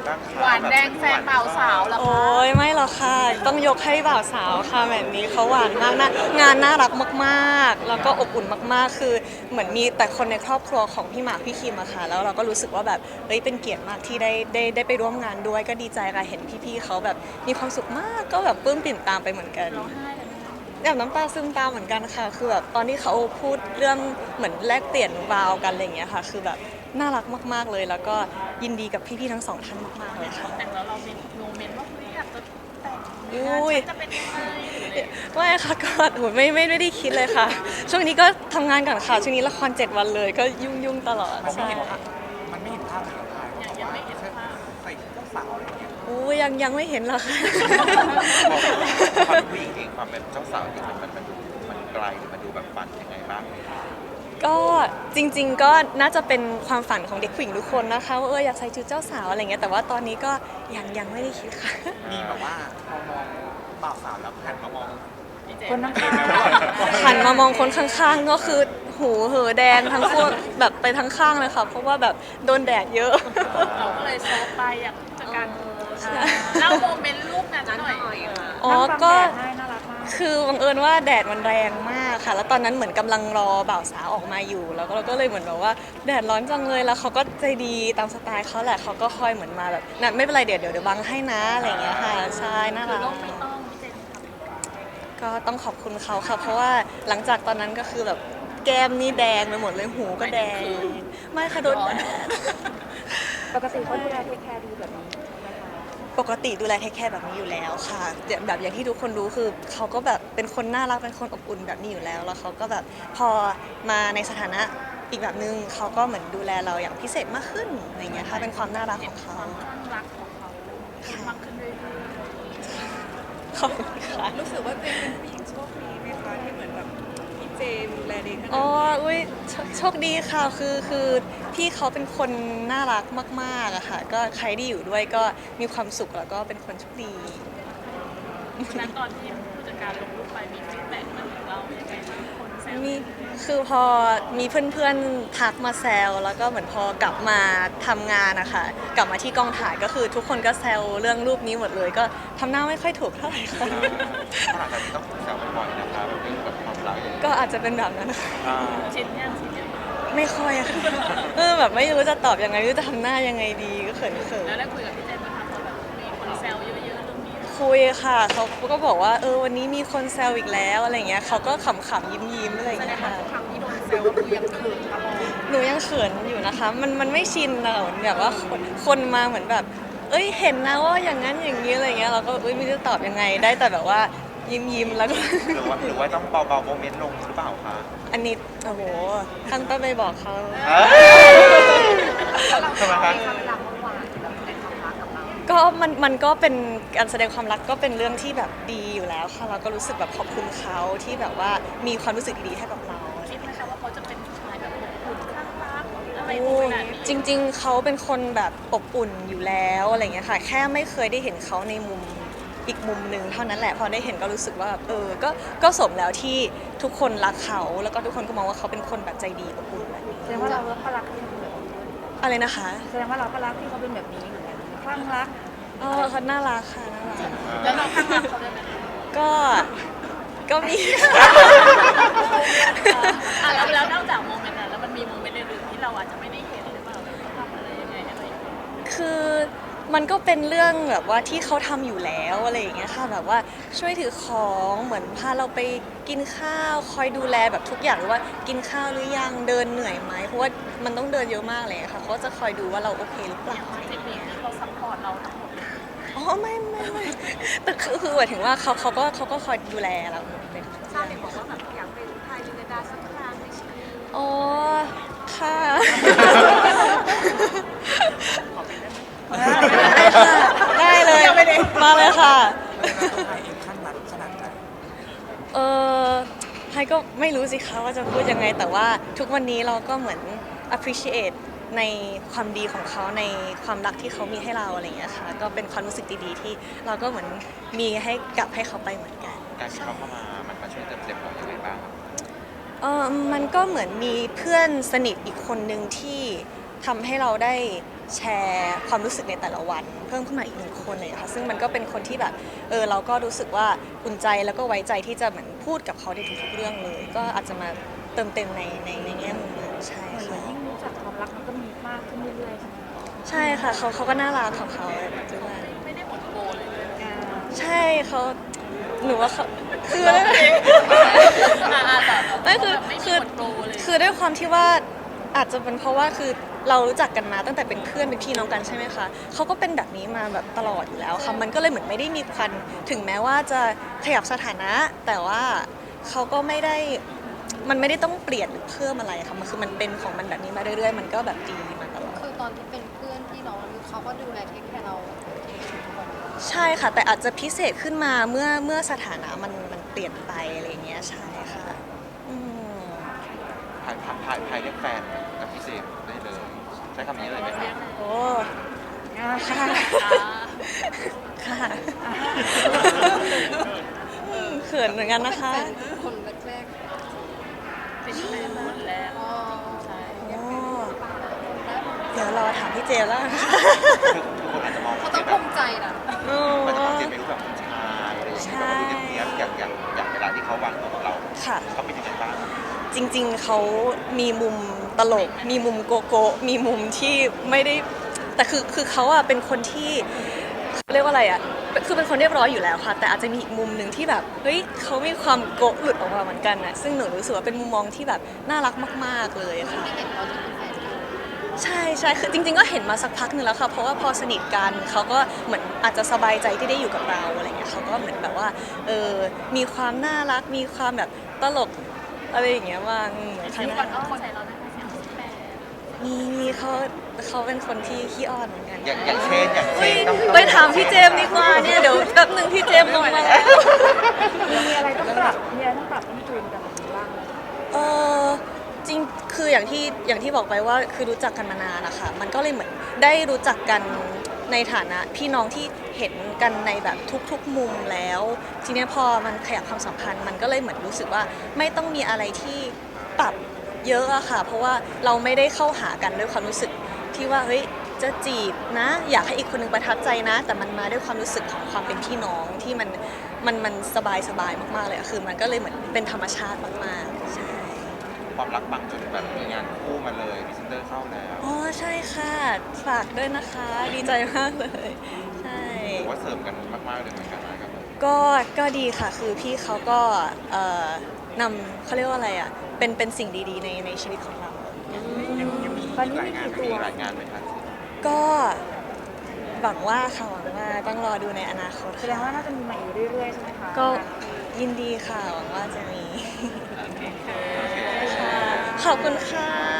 บ้างคะหวานแดงแฟนบ่าวสาวแล้วโอ้ยไม่หรอกค่ะต้องยกให้บ่าวสาวค่ะแบบนี้เขาหวานมากนะงานน่ารักมากๆแล้วก็อบอุ่นมากๆคือเหมือนมีแต่คนในครอบครัวของพี่หมากพี่คิมอะค่ะแล้วเราก็รู้สึกว่าแบบเฮ้ยเป็นเกียรติมากที่ได้ไปร่วมงานด้วยก็ดีใจค่ะเห็นพี่ๆเขาแบบมีความสุขมากก็แบบปลื้มปิ่มตามไปเหมือนกันร้องไห้เลยไหมคะแบบน้ำตาซึมตามเหมือนกันค่ะคือแบบตอนที่เขาพูดเรื่องเหมือนแลกเปลี่ยนวาวกันอะไรอย่างเงี้ยค่ะคือแบบน่ารักมากๆเลย แล้วก็ยินดีกับพี่ๆทั้งสองท่านมากๆเลยค่ะแต่งแล้วเรามีโมเมนต์ว่าเฮ้ยอยากจะแต่งอุ้ยฉันจะเป็นยังไงหรืออะไรอย่างเงี้ยไม่ค่ะก็โหไม่ได้คิดเลยค่ะ ช่วงนี้ก็ทำงานก่อนค่ะช่วงนี้ละคร7 วันเลยก็ยุ่งตลอดมันไม่ใช่เห็นภาพมันไม่เห็นภาพถ่ายได้ยังไม่เห็นภาพใส่ชุดเจ้าสาวอะไรอย่างเงี้ยอู้ยังไม่เห็นหรอกค่ะความเป็นผู้หญิงเองความเป็นเจ้าสาวเองมันไกลหรือมันดูแบบฝันยังไงบ้างก็จริงๆก็น่าจะเป็นความฝันของเด็กผู้หญิงทุกคนนะคะว่าอยากใส่ชุดเจ้าสาวอะไรเงี้ยแต่ว่าตอนนี้ก็ยังไม่ได้คิดค่ะมีแบบว่าพอมองบ่าวสาวแล้วหันมามองคนนั่งข้างหันมามองคนข้างๆก็คือหูเหอแดงทั้งคู่แบบไปทั้งข้างเลยค่ะ เพราะว่าแบบโดนแดดเยอะเราก็เลยโซฟไปอยากจัดการเล่าโมเมนต์รูปนั้นหน่อยค่ะอ๋อก็น่ารักมากคือบังเอิญว่าแดดมันแรงมากค่ะ แล้วตอนนั้นเหมือนกำลังรอบ่าวสาวออกมาอยู่ แล้วก็เราก็เลยเหมือนแบบว่าแดดร้อนจังเลยแล้วเขาก็ใจดีตามสไตล์เขาแหละเขาก็คอยเหมือนมาแบบน่ะไม่เป็นไรเดี๋ยวบังให้นะอะไรอย่างเงี้ยค่ะใช่น่าคือรักโลกไม่ต้องพี่เจนทก็ต้องขอบคุณเขาค่ะ เพราะว่าหลังจากตอนนั้นก็คือแบบแก้มนี่แดงไปหมดเลยหูก็แดง ไม่ค่ะโดนแดดปกติเขาดูแลเทคแคร์ดีแบบนี้ไหมคะปกติดูแลเทคแคร์แบบนี้อยู่แล้วค่ะแบบอย่างที่ทุกคนรู้คือเขาก็แบบเป็นคนน่ารักเป็นคนอบอุ่นแบบนี้อยู่แล้ว แล้วเขาก็แบบพอมาในสถานะอีกแบบนึงเขาก็เหมือนดูแลเราอย่างพิเศษมากขึ้นอะไรเงี้ยค่ะเป็นความน่ารักของเขาความคลั่งรักของเขามากขึ้นเรื่อยขอบคุณค่ะรู้สึกว่าเจมเป็นผู้หญิงโชคดีไหมคะที่เหมือนแบบพี่เจมดูแลดีขนาดอ๋อนี้อุ้ยโชคดีค่ะคือพี่เขาเป็นคนน่ารักมากๆอะค่ะ ก็ใครที่อยู่ด้วยก็มีความสุขแล้วก็เป็นคนโชคดีๆวันนั้นตอนที่ผู้จัดการลงรูปไปมีฟีดแบ็กมาถึงเราอย่างไรบ้างคนแซวมีคือพอมีเพื่อนๆทักมาแซวแล้วก็เหมือนพอกลับมาทำงานนะคะกลับมาที่กองถ่ายก็คือทุกคนก็แซวเรื่องรูปนี้หมดเลย ก็ทำหน้าไม่ค่อยถูกเท่าไหร่ค่ะขนาดนี้ต้องถูกแซวบ่อยๆนะคะแบบเรื่องแบบความรักอย่างเงี้ยก็อาจจะเป็นแบบนั้นค่ะชินยังไม่ค่อยอะค่ะแบบไม่รู้จะตอบยังไงไม่รู้จะทำหน้ายังไงดีก็เขินแล้วได้คุยกับพี่เจนไหมคะพอแบบมีคนแซวเยอะๆเรื่องนี้ๆคุยค่ะเขาก็บอกว่าวันนี้มีคนแซวอีกแล้วอะไรเงี้ยเขาก็ขำๆยิ้มๆอะไรแสดเงี้งยว่าค่ะทุกครั้งที่โดนแซวก็คือยังเขินตลอดหนูยังเขินอยู่นะคะ มันไม่ชินอะเหมือนแบบว่าคนมาเหมือนแบบ เห็นนะว่าอย่างนั้นอย่างนี้อะไรเงี้ยเราก็ไม่รู้จะตอบยังไงได้แต่แบบว่ายิ้มแล้วก็หรือว่าต้องเบาๆโมเมนต์ลงหรือเปล่าคะอันนี้โอ้โหตั้งต้นไปบอกเขาทำไมคะเวลาเขาหวานแบบในความรักกับเราก็มันก็เป็นการแสดงความรักก็เป็นเรื่องที่แบบดีอยู่แล้วค่ะเราก็รู้สึกแบบขอบคุณเขาที่แบบว่ามีความรู้สึกดีๆให้กับเราคิดไหมคะว่าเขาจะเป็นผู้ชายแบบอบอุ่นข้างรักอะไรโอ้ขนาดนี้จริงๆ เขาเป็นคนแบบอบอุ่นอยู่แล้วอะไรเงี้ยค่ะ แค่ไม่เคยได้เห็นเขาในมุมอีกมุมหนึ่งเท่านั้นแหละ พอได้เห็นก็รู้สึกว่าก็สมแล้วที่ทุกคนรักเขา แล้วก็ทุกคนก็มองว่าเขาเป็นคนแบบใจดีอบอุ่นแบบนี้แสดงว่าเราก็รักที่เขาเป็นแบบนี้อะไรนะคะแสดงว่าเราก็รักที่เขาเป็นแบบนี้เหมือนกันคลั่งรักเขาน่ารักค่ะน่ารักแล้วเราข้างรักเขาได้ไหมก็มีแล้วนอกจากโมเมนต์นั้นแล้วมันมีโมเมนต์อื่นๆที่เราอาจจะไม่ได้เห็นหรือเปล่าทำอะไรยังไงอะไรอย่างเงี้ยคือมันก็เป็นเรื่องแบบว่าที่เขาทำอยู่แล้วอะไรอย่างเงี้ยค่ะแบบว่าช่วยถือของเหมือนพาเราไปกินข้าวคอยดูแลแบบทุกอย่างหรือว่ากินข้าวหรือยังเดินเหนื่อยไหมเพราะว่ามันต้องเดินเยอะมากเลยค่ะเขาก็จะคอยดูว่าเราโอเคหรือเปล่าเทคนิคเขาซัพพอร์ตเราทั้งหมดเลยอ๋อไม่แต่คือหมายถึงว่าเขาก็คอยดูแลเราเป็นชาติบอกว่าแบบอยากเป็นไทยลินดาสักครั้งในชีวิตอ๋อค่ะ ได้เลยมาเลยค่ะไทยเองขั้นรักขนาดไหนไฮก็ไม่รู้สิคะว่าจะพูดยังไง แต่ว่าทุกวันนี้เราก็เหมือน appreciate ในความดีของเขาในความรักที่เขามีให้เราอะไรอย่างเงี้ยค่ะก็เป็นความรู้สึกดีๆที่เราก็เหมือนมีให้กลับให้เขาไปเหมือนกันการที่เขาเข้ามามันมาช่วยเติมเต็มเราอย่างไรบ้างครับมันก็เหมือนมีเพื่อนสนิทอีกคนหนึ่งที่ทำให้เราได้แชร์ความรู้สึกในแต่ละวันเพิ่มขึ้นมาอีกหนึ่งคนเลยค่ะซึ่งมันก็เป็นคนที่แบบเราก็รู้สึกว่าอุ่นใจแล้วก็ไว้ใจที่จะเหมือนพูดกับเขาในทุกๆเรื่องเลย ก็อาจจะมาเติมเต็มในแง่มุมนั้นใช่เหมือนค่ะยิ่งรู้จักความรักมันก็มีมากขึ้นเรื่อยๆใช่ไหมใช่ค่ะเขาก็น่ารักของเขาด้วยไม่ได้หมดโบเลยเลยใช่เขาหนูว่าเขาคือแต่ไม่คือไม่มีคือหมดโบเลยคือด้วยความที่ว่าอาจจะเป็นเพราะว่าคือเรารู้จักกันมาตั้งแต่เป็นเพื่อนเป็นพี่น้องกันใช่ไหมคะเขาก็เป็นแบบนี้มาแบบตลอดอยู่แล้วค่ะมันก็เลยเหมือนไม่ได้มีควันถึงแม้ว่าจะขยับสถานะ แต่ว่าเขาก็ไม่ได้มันไม่ได้ต้องเปลี่ยนหรือเพิ่มอะไรค่ะมันคือมันเป็นของมันแบบนี้มาเรื่อยๆมันก็แบบดีมาตลอดคือตอนที่เป็นเพื่อนพี่น้องเขาก็ดูแลเทคแคร์เราใช่ค่ะ แต่อาจจะพิเศษขึ้นมาเมื่อสถานะมันเปลี่ยนไปอะไรอย่างเงี้ยใช่ค่ะอืมพายเรียกแฟนกับพี่เจมส์ได้เลย ใช้คำนี้เลยไหมครับโอ้ค่ะค่ะเขินเหมือนกันนะคะเป็นคนแรกเป็นแฟนคนแรกๆอ๋อใช่โอ้เดี๋ยวรอถามพี่เจมส์แล้วกันค่ะคือคนอาจจะมองเขาเจต้องมส์ภูแบบมิใจนะโอ้มันจะมองเจมส์เป็นรูปแบบผู้ชายอะไรอย่างเงี้ยแบบดูเนียบๆอย่างเวลาที่เขาวางตัวกับเราค่ะเขาเป็นยังไงบ้างจริงๆ เขามีมุมตลก มีมุมโกโก้ มีมุมที่ไม่ได้ แต่คือเขาอะเป็นคนที่เขาเรียกว่าอะไรอะคือเป็นคนเรียบร้อยอยู่แล้วค่ะ แต่อาจจะมีอีกมุมหนึ่งที่แบบ เฮ้ยเขามีความโกะหลุดออกมาเหมือนกันอะซึ่งหนูรู้สึกว่าเป็นมุมมองที่แบบน่ารักมากๆเลยค่ะที่เห็นเราจะเป็นแฟนกันใช่ใช่คือจริงๆ ก็เห็นมาสักพักหนึ่งแล้วค่ะ เพราะว่าพอสนิทกันเขาก็เหมือนอาจจะสบายใจที่ได้อยู่กับเราอะไรเงี้ยเขาก็เหมือนแบบว่ามีความน่ารัก มีความแบบตลกอะไรอย่างเงี้ยว่างเหมือนเสียงข้างหก่อนน้าอ้อนใจเราได้เสียงแปลมีเขาเป็นคนที่ขี้อ้อนเหมือนกันอย่างเช่นต้องไปถามพี่เจมส์ดีกว่าเนี่ยเดี๋ยวแป๊บหนึ่งพี่เจมส์ลงมาแล้วมีอะไรต้องปรับต้องจูนกันแบบนี้บ้างไหมเออจริงคืออย่างที่บอกไปว่าคือรู้จักกันมานานนะคะมันก็เลยเหมือนได้รู้จักกันในฐานะพี่น้องที่เห็นกันในแบบทุกๆมุมแล้ว ทีเนี้ยพอมันขยับความสัมพันธ์มันก็เลยเหมือนรู้สึกว่าไม่ต้องมีอะไรที่ปรับเยอะอะค่ะ เพราะว่าเราไม่ได้เข้าหากันด้วยความรู้สึกที่ว่าเฮ้ยจะจีบนะ อยากให้อีกคนหนึงประทับใจนะ แต่มันมาด้วยความรู้สึกของความเป็นพี่น้องที่มันสบายมากๆเลยอะคือมันก็เลยเหมือนเป็นธรรมชาติมากๆใช่ความรักบางจนแบบมีงานคู่มาเลยพรีเซนเตอร์เข้าแล้วอ๋อใช่ค่ะ ฝากด้วยนะคะ ดีใจมากเลย ใช่ถือว่าเสริมกันมากๆเลยเหมือนกันนะครับก็ดีค่ะ คือพี่เขาก็นำเขาเรียกว่าอะไรอ่ะ เป็นสิ่งดีๆในชีวิตของเราตอนนี้หลายมีงานกี่มีตัวหลายงานไหมครับก็หวังว่าค่ะหวังว่าต้องรอดูในอนาคตแสดงว่าน่าจะมีมาอีกเรื่อยๆใช่ไหมคะก็ยินดีค่ะ หวังว่าจะมีค่ะขอบคุณค่ะ